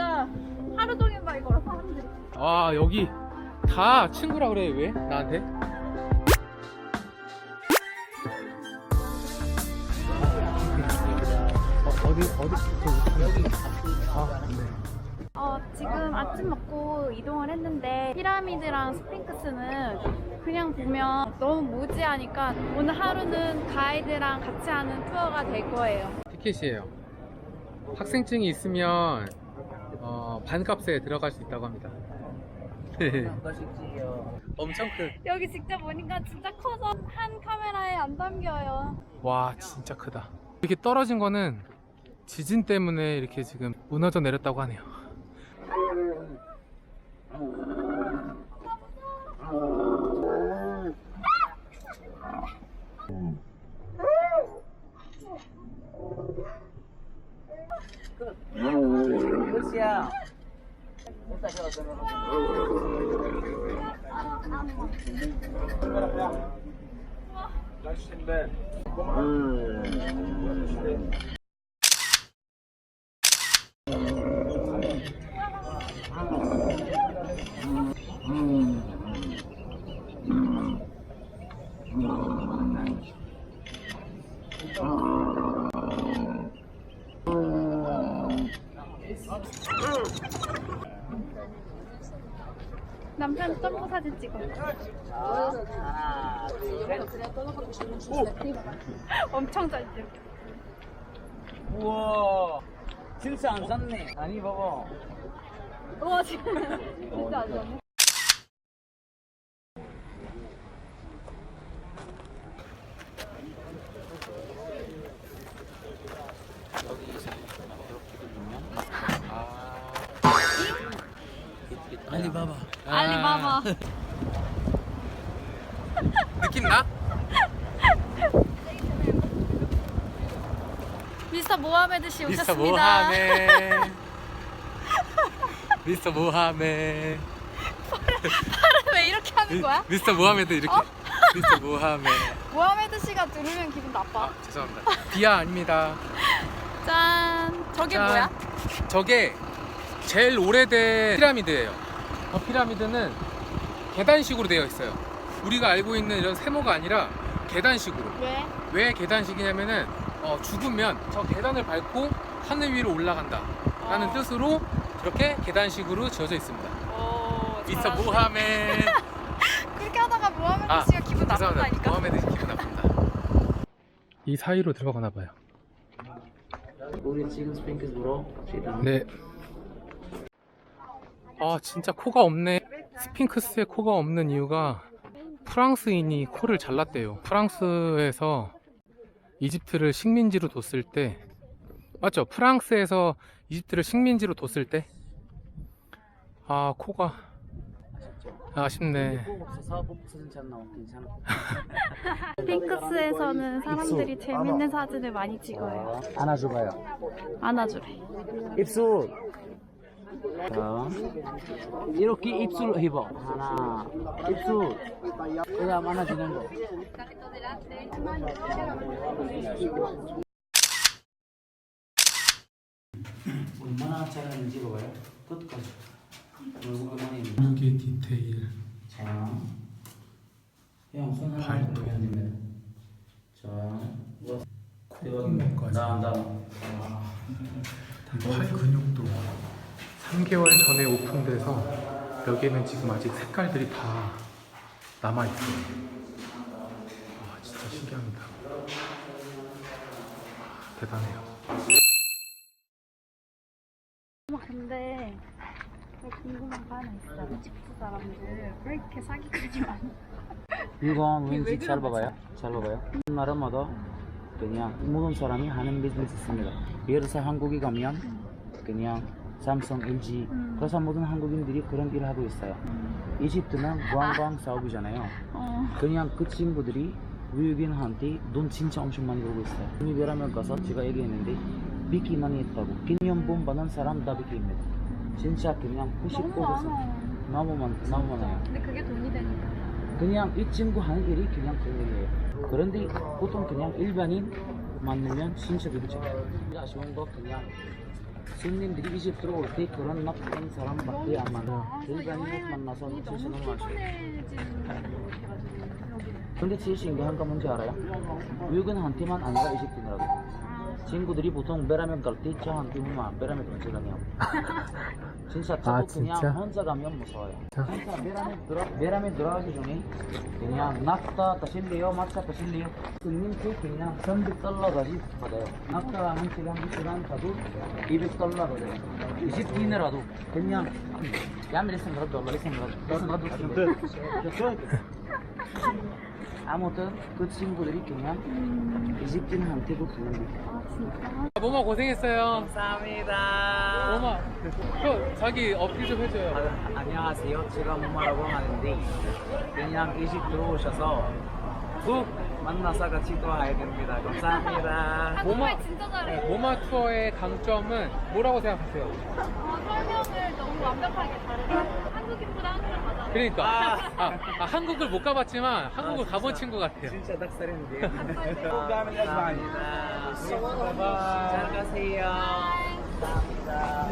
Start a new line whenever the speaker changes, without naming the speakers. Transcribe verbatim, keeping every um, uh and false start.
진짜 하루 종일 말 걸어 사람들이.
아 여기 다 친구라 그래. 왜 나한테? 어, 어디 어디 여기 아 네.
어, 지금 아침 먹고 이동을 했는데 피라미드랑 스핑크스는 그냥 보면 너무 무지하니까 오늘 하루는 가이드랑 같이 하는 투어가 될 거예요.
티켓이에요. 학생증이 있으면 어, 반값에 들어갈 수 있다고 합니다. 엄청 큰.
여기 직접 보니까 진짜 커서 한 카메라에 안 담겨요.
와 진짜 크다. 이렇게 떨어진 거는 지진 때문에 이렇게 지금 무너져 내렸다고 하네요.
남편 점프 사진 찍어. 엄청 잘 찍어.
우와 진짜 안 샀네. 아니 봐봐.
우와 지금 진짜 안 좋네.
알리바바.
알리바바.
느낌 나?
미스터 모하메드 씨
미스터
오셨습니다.
모하메. 미스터 모하메.
팔을 왜 이렇게 하는 거야?
미스터 모하메드 이렇게.
어?
미스터 모하메.
모하메드 씨가 들으면 기분 나빠.
아 죄송합니다. 비하 아닙니다.
짠. 저게
짠.
뭐야?
저게 제일 오래된 피라미드예요. 저 피라미드는 계단식으로 되어 있어요. 우리가 알고 있는 이런 세모가 아니라 계단식으로.
왜?
왜 계단식이냐면은 어, 죽으면 저 계단을 밟고 하늘 위로 올라간다 라는
어.
뜻으로 이렇게 계단식으로 지어져 있습니다.
오,
미스터
잘하시네.
모하메.
그렇게 하다가 모하메드
아,
씨가 기분
죄송합니다.
나쁜다니까.
모하메드 씨 기분 나쁩니다. 이 사이로 들어가나 봐요.
우리 지금 스핑크스 보러 갑시다.
네. 아 진짜 코가 없네. 스핑크스에 코가 없는 이유가 프랑스인이 코를 잘랐대요. 프랑스에서 이집트를 식민지로 뒀을 때, 맞죠? 프랑스에서 이집트를 식민지로 뒀을 때, 아 코가 아쉽네.
꼭 없어서 꼭 사진 잘 나와. 괜찮아.
핑크스에서는 사람들이 재밌는 사진을 많이 찍어요.
안아줘봐요.
안아주래.
입술. 자, 이렇게 입술 해봐. 하나, 입술. 그다음 안아주는 거. 얼마나 잘하는지 봐봐요. 끝까지. 얼마나
이게 디테일.
자, 형 손 하나
발톱.
올려야 됩니다. 자, 뭐
콧구멍까지.
다음 다음.
팔 근육도 삼 개월 전에 오픈돼서 여기에는 지금 아직 색깔들이 다 남아있어요. 와 진짜 신기합니다. 아, 대단해요.
근데 궁금한 거 하나 있어. 이집트 사람들 왜 이렇게 사기꾼이 많아?
이건
왜
왠지 잘
그런
봐봐요. 잘 봐봐요. 나라마다 그냥 모든 사람이 하는 비즈니스 있습니다. 예를 들어서 한국에 가면 그냥 삼성, 엘지
음.
그래서 모든 한국인들이 그런 일을 하고 있어요. 이집트는 관광 사업이잖아요.
어.
그냥 그 친구들이 외국인한테 돈 진짜 엄청 많이 벌고 있어요. 유니베라면 가서 제가 얘기했는데 비키 많이 했다고. 기념품 받은 사람 다 비키입니다. 진짜 그냥 구십구 퍼센트
너무 많아.
너무 많, 너무 많아요.
근데 그게 돈이 되니까.
그냥 이 친구 하는 일이 그냥 그런 일이에요. 그런데 보통 그냥 일반인 만나면 진짜 그렇죠. 아쉬운 거 그냥 손님들이 이집 들어올 때 그런 나쁜 사람밖에 안 만나. 일반인을 만나서
너무
진짜 너무 아쉬워.
피곤해지는 것 같아가지고 여기는.
근데 제일 신기한 건 뭔지 알아요? 외국인한테만 아니라 이집트인이라고. 친구들이 보통 베라면 갈 때 저한테 뭐 베라면 언제 가냐고. 진짜 저도
아,
그냥
진짜?
혼자 가면 무서워요.
자.
진짜 베라면 들어 베라면 들어가기 전에 그냥 낙타 타실래요? 마차 타실래요? 손님께 그냥 삼백 달러까지 받아요. 낙타 한 시간 한 시간 가도 이백 달러 받아요. 이집트인이라도 그냥 يعمل اسم رد والله اسم رد اسم رد 아무튼 그 친구들이 그냥 이집트인한테도 그런 거.
아 진짜?
모마 고생했어요.
감사합니다.
모마, 저 자기 어필 좀 해줘요.
아, 안녕하세요. 제가 모마라고 하는데 그냥 이집트 오셔서 꼭 만나서 같이 또 와야 됩니다. 감사합니다.
모마,
한국말 진짜 잘해.
모마 투어의 강점은 뭐라고 생각하세요?
어, 설명을 너무 완벽하게 잘해. 한국인보다 한국말 맞아.
그러니까
아.
아, 아, 한국을 못 가봤지만 한국을
아,
가본
진짜.
친구 같아요.
진짜 닭살인데.
감사합니다.
감사합니다. 잘 가세요. 감사합니다.